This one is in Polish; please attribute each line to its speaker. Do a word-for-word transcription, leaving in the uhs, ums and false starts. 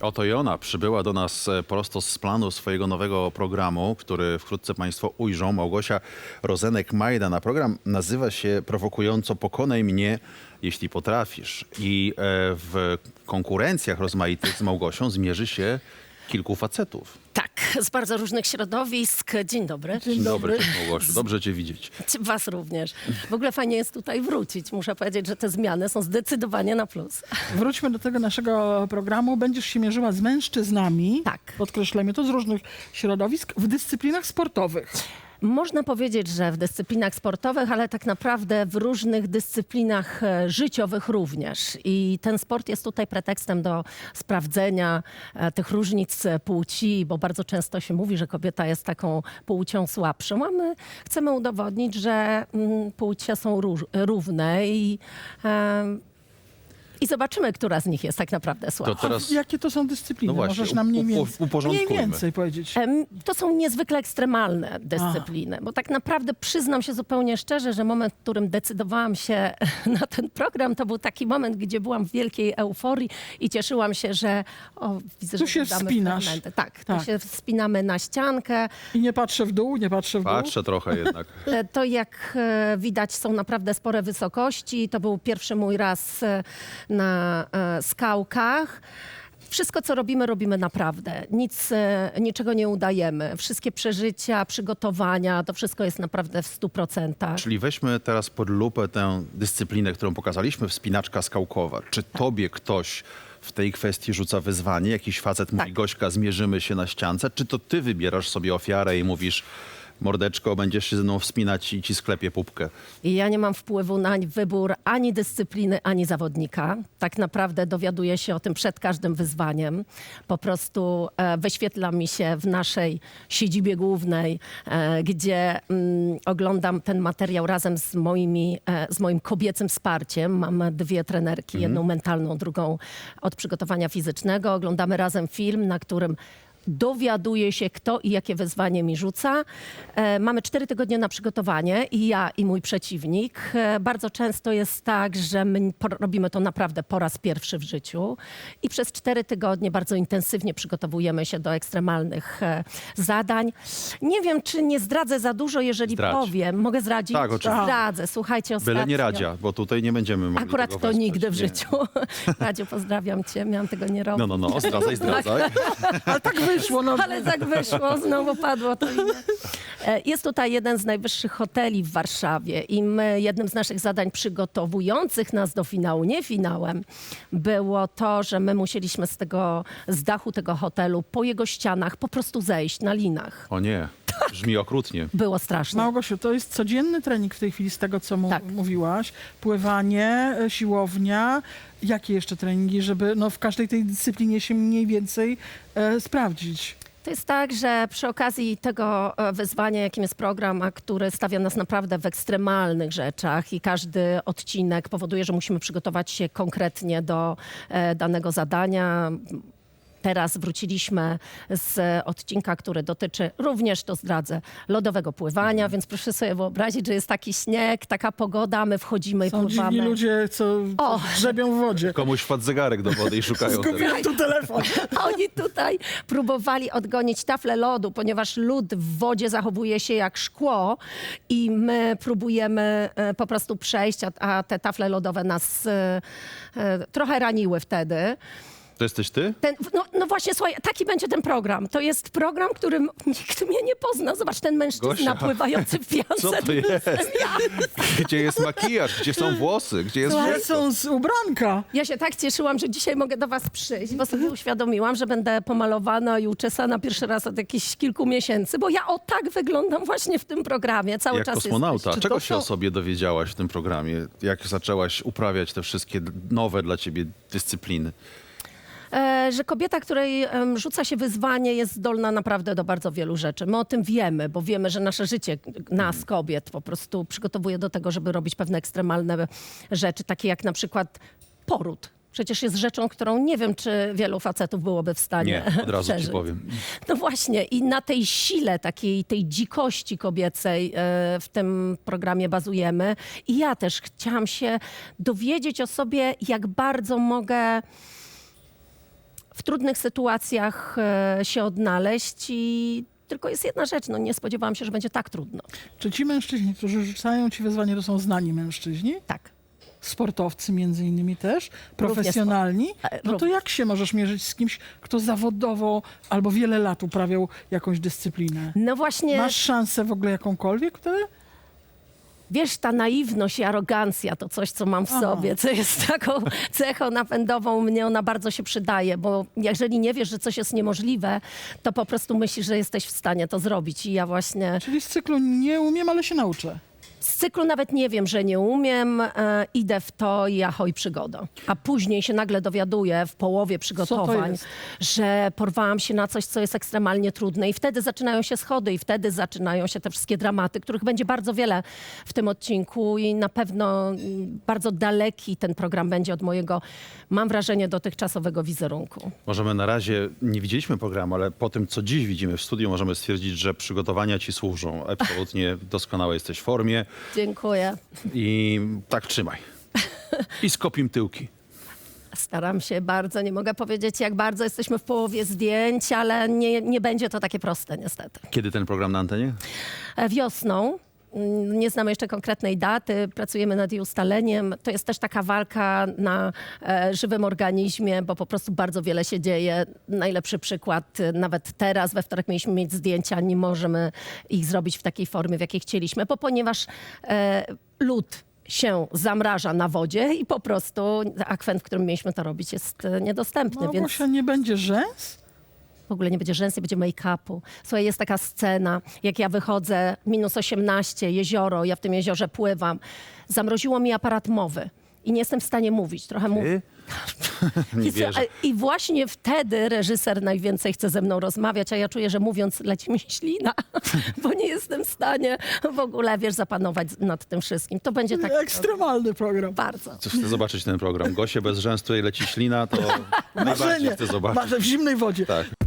Speaker 1: Oto i ona przybyła do nas e, prosto z planu swojego nowego programu, który wkrótce Państwo ujrzą. Małgosia Rozenek-Majdan. Program nazywa się prowokująco Pokonaj mnie, jeśli potrafisz. I e, w konkurencjach rozmaitych z Małgosią zmierzy się kilku facetów.
Speaker 2: Tak, z bardzo różnych środowisk. Dzień dobry.
Speaker 1: Dzień dobry, cześć Małgosiu. Dobrze Cię widzieć.
Speaker 2: Was również. W ogóle fajnie jest tutaj wrócić. Muszę powiedzieć, że te zmiany są zdecydowanie na plus.
Speaker 3: Wróćmy do tego naszego programu. Będziesz się mierzyła z mężczyznami,
Speaker 2: Tak.
Speaker 3: podkreślamy to, z różnych środowisk, w dyscyplinach sportowych.
Speaker 2: Można powiedzieć, że w dyscyplinach sportowych, ale tak naprawdę w różnych dyscyplinach e, życiowych również. I ten sport jest tutaj pretekstem do sprawdzenia e, tych różnic e, płci, bo bardzo często się mówi, że kobieta jest taką płcią słabszą, a my chcemy udowodnić, że mm, płcie są róż, równe i e, I zobaczymy, która z nich jest tak naprawdę słabsza.
Speaker 1: To teraz
Speaker 3: Jakie to są dyscypliny?
Speaker 1: No właśnie,
Speaker 3: Możesz nam mniej
Speaker 1: upo-
Speaker 3: więcej, mniej
Speaker 1: uporządkujmy.
Speaker 3: więcej powiedzieć.
Speaker 2: Em, To są niezwykle ekstremalne dyscypliny, bo tak naprawdę przyznam się zupełnie szczerze, że moment, w którym decydowałam się na ten program, to był taki moment, gdzie byłam w wielkiej euforii i cieszyłam się, że o, widzę,
Speaker 3: Tu
Speaker 2: że
Speaker 3: się
Speaker 2: damy
Speaker 3: wspinasz.
Speaker 2: fragmenty. Tak,
Speaker 3: Tak.
Speaker 2: tu się wspinamy na ściankę.
Speaker 3: I nie patrzę w dół, nie patrzę w dół.
Speaker 1: patrzę trochę jednak.
Speaker 2: E, To jak e, widać są naprawdę spore wysokości. To był pierwszy mój raz e, na e, skałkach. Wszystko, co robimy, robimy naprawdę. Nic, e, niczego nie udajemy. Wszystkie przeżycia, przygotowania, to wszystko jest naprawdę w stu procentach.
Speaker 1: Czyli weźmy teraz pod lupę tę dyscyplinę, którą pokazaliśmy, wspinaczka skałkowa. Czy tobie ktoś w tej kwestii rzuca wyzwanie? Jakiś facet mówi,
Speaker 2: Tak.
Speaker 1: Gośka, zmierzymy się na ściance? Czy to ty wybierasz sobie ofiarę i mówisz, mordeczko, będziesz się ze mną wspinać i ci sklepie pupkę?
Speaker 2: I ja nie mam wpływu na wybór ani dyscypliny, ani zawodnika. Tak naprawdę dowiaduję się o tym przed każdym wyzwaniem. Po prostu e, wyświetla mi się w naszej siedzibie głównej, e, gdzie mm, oglądam ten materiał razem z, moimi, e, z moim kobiecym wsparciem. Mam dwie trenerki, jedną mentalną, drugą od przygotowania fizycznego. Oglądamy razem film, na którym dowiaduję się, kto i jakie wyzwanie mi rzuca. E, mamy cztery tygodnie na przygotowanie i ja i mój przeciwnik. E, bardzo często jest tak, że my po, robimy to naprawdę po raz pierwszy w życiu i przez cztery tygodnie bardzo intensywnie przygotowujemy się do ekstremalnych e, zadań. Nie wiem, czy nie zdradzę za dużo, jeżeli
Speaker 1: Zdradź.
Speaker 2: powiem. Mogę zdradzić?
Speaker 1: Tak, oczywiście.
Speaker 2: Zdradzę. Słuchajcie, ostatnio...
Speaker 1: Byle nie Radzia, bo tutaj nie będziemy mogli
Speaker 2: Akurat
Speaker 1: tego
Speaker 2: to
Speaker 1: wesprzeć.
Speaker 2: nigdy w
Speaker 1: Nie.
Speaker 2: życiu. Radziu, pozdrawiam cię. Miałam tego nie robić.
Speaker 1: No, no, no, zdradzaj, zdradzaj.
Speaker 3: Ale tak wyszło. No.
Speaker 2: Ale tak wyszło, znowu padło to imię. E, Jest tutaj jeden z najwyższych hoteli w Warszawie i my, jednym z naszych zadań przygotowujących nas do finału, nie finałem, było to, że my musieliśmy z tego, z dachu tego hotelu po jego ścianach po prostu zejść na linach.
Speaker 1: O nie, brzmi okrutnie.
Speaker 2: Było straszne.
Speaker 3: Małgosiu, to jest codzienny trening w tej chwili z tego, co mu
Speaker 2: Tak.
Speaker 3: mówiłaś. Pływanie, e, siłownia. Jakie jeszcze treningi, żeby no, w każdej tej dyscyplinie się mniej więcej e, sprawdzić?
Speaker 2: To jest tak, że przy okazji tego e, wyzwania, jakim jest program, a który stawia nas naprawdę w ekstremalnych rzeczach i każdy odcinek powoduje, że musimy przygotować się konkretnie do e, danego zadania. Teraz wróciliśmy z odcinka, który dotyczy, również to zdradzę, lodowego pływania, więc proszę sobie wyobrazić, że jest taki śnieg, taka pogoda, my wchodzimy i
Speaker 3: Są dziwni
Speaker 2: pływamy.
Speaker 3: ludzie, co,
Speaker 2: O!
Speaker 3: co grzebią w wodzie.
Speaker 1: Komuś wpadł zegarek do wody i szukają teraz.
Speaker 3: Zgubiłem tu telefon.
Speaker 2: A oni tutaj próbowali odgonić taflę lodu, ponieważ lód w wodzie zachowuje się jak szkło i my próbujemy e, po prostu przejść, a, a te tafle lodowe nas e, e, trochę raniły wtedy.
Speaker 1: To jesteś ty?
Speaker 2: Ten, no, no właśnie, słuchaj, taki będzie ten program. To jest program, którym nikt mnie nie pozna. Zobacz, ten mężczyzna
Speaker 1: Gosia,
Speaker 2: pływający w piance.
Speaker 1: Co to jest?
Speaker 2: Ja.
Speaker 1: Gdzie jest makijaż? Gdzie są włosy? Gdzie jest
Speaker 3: Gdzie
Speaker 1: wszystko?
Speaker 3: są z ubranka?
Speaker 2: Ja się tak cieszyłam, że dzisiaj mogę do was przyjść, bo sobie uświadomiłam, że będę pomalowana i uczesana pierwszy raz od jakichś kilku miesięcy, bo ja o tak wyglądam właśnie w tym programie. Cały
Speaker 1: Jak
Speaker 2: czas
Speaker 1: kosmonauta.
Speaker 2: jesteś.
Speaker 1: Czego
Speaker 3: to
Speaker 1: się
Speaker 3: są-
Speaker 1: o sobie dowiedziałaś w tym programie? Jak zaczęłaś uprawiać te wszystkie nowe dla ciebie dyscypliny?
Speaker 2: E, że kobieta, której em, rzuca się wyzwanie, jest zdolna naprawdę do bardzo wielu rzeczy. My o tym wiemy, bo wiemy, że nasze życie, nas kobiet, po prostu przygotowuje do tego, żeby robić pewne ekstremalne rzeczy, takie jak na przykład poród. Przecież jest rzeczą, którą nie wiem, czy wielu facetów byłoby w stanie
Speaker 1: Nie, od razu ci
Speaker 2: przeżyć.
Speaker 1: powiem.
Speaker 2: No właśnie i na tej sile, takiej tej dzikości kobiecej e, w tym programie bazujemy. I ja też chciałam się dowiedzieć o sobie, jak bardzo mogę w trudnych sytuacjach e, się odnaleźć i tylko jest jedna rzecz, no nie spodziewałam się, że będzie tak trudno.
Speaker 3: Czy ci mężczyźni, którzy rzucają ci wyzwanie, to są znani mężczyźni?
Speaker 2: Tak.
Speaker 3: Sportowcy między innymi też, profesjonalni?
Speaker 2: E,
Speaker 3: No to
Speaker 2: również.
Speaker 3: jak się możesz mierzyć z kimś, kto zawodowo albo wiele lat uprawiał jakąś dyscyplinę?
Speaker 2: No właśnie,
Speaker 3: Masz szansę w ogóle jakąkolwiek wtedy?
Speaker 2: wiesz, ta naiwność i arogancja to coś, co mam w
Speaker 3: Aha.
Speaker 2: sobie, co jest taką cechą napędową, mnie ona bardzo się przydaje, bo jeżeli nie wiesz, że coś jest niemożliwe, to po prostu myślisz, że jesteś w stanie to zrobić i ja właśnie
Speaker 3: Czyli z cyklu nie umiem, ale się nauczę.
Speaker 2: z cyklu nawet nie wiem, że nie umiem, e, idę w to i ahoj przygoda. A później się nagle dowiaduję w połowie przygotowań,
Speaker 3: jest?
Speaker 2: że porwałam się na coś, co jest ekstremalnie trudne i wtedy zaczynają się schody i wtedy zaczynają się te wszystkie dramaty, których będzie bardzo wiele w tym odcinku i na pewno mm, bardzo daleki ten program będzie od mojego, mam wrażenie, dotychczasowego wizerunku.
Speaker 1: Możemy na razie, nie widzieliśmy programu, ale po tym, co dziś widzimy w studiu, możemy stwierdzić, że przygotowania ci służą. Absolutnie doskonale jesteś w formie
Speaker 2: Dziękuję.
Speaker 1: i tak trzymaj. I skopim tyłki.
Speaker 2: Staram się bardzo, nie mogę powiedzieć jak bardzo, jesteśmy w połowie zdjęć, ale nie, nie będzie to takie proste niestety.
Speaker 1: Kiedy ten program na antenie?
Speaker 2: E, Wiosną. mm, Nie znamy jeszcze konkretnej daty, pracujemy nad jej ustaleniem. To jest też taka walka na e, żywym organizmie, bo po prostu bardzo wiele się dzieje. Najlepszy przykład, e, nawet teraz, we wtorek mieliśmy mieć zdjęcia, nie możemy ich zrobić w takiej formie, w jakiej chcieliśmy, bo ponieważ e, lód się zamraża na wodzie i po prostu akwen, w którym mieliśmy to robić, jest e, niedostępny, więc...
Speaker 3: Małgosia, nie będzie rzęs?
Speaker 2: W ogóle nie będzie rzęs, nie będzie make-upu. Słuchaj, jest taka scena, jak ja wychodzę, minus osiemnaście, jezioro, ja w tym jeziorze pływam. Zamroziło mi aparat mowy i nie jestem w stanie mówić. Trochę mówię.
Speaker 1: Ty? Nie
Speaker 2: I,
Speaker 1: wierzę.
Speaker 2: I właśnie wtedy reżyser najwięcej chce ze mną rozmawiać, a ja czuję, że mówiąc leci mi ślina, bo nie jestem w stanie w ogóle, wiesz, zapanować nad tym wszystkim. To będzie tak
Speaker 3: Ekstremalny program.
Speaker 2: bardzo.
Speaker 1: Co chcę zobaczyć ten program. Gosie bez rzęs, tutaj leci ślina, to najbardziej
Speaker 3: Marzenie.
Speaker 1: chcę zobaczyć.
Speaker 3: Marzę w zimnej wodzie.
Speaker 1: Tak.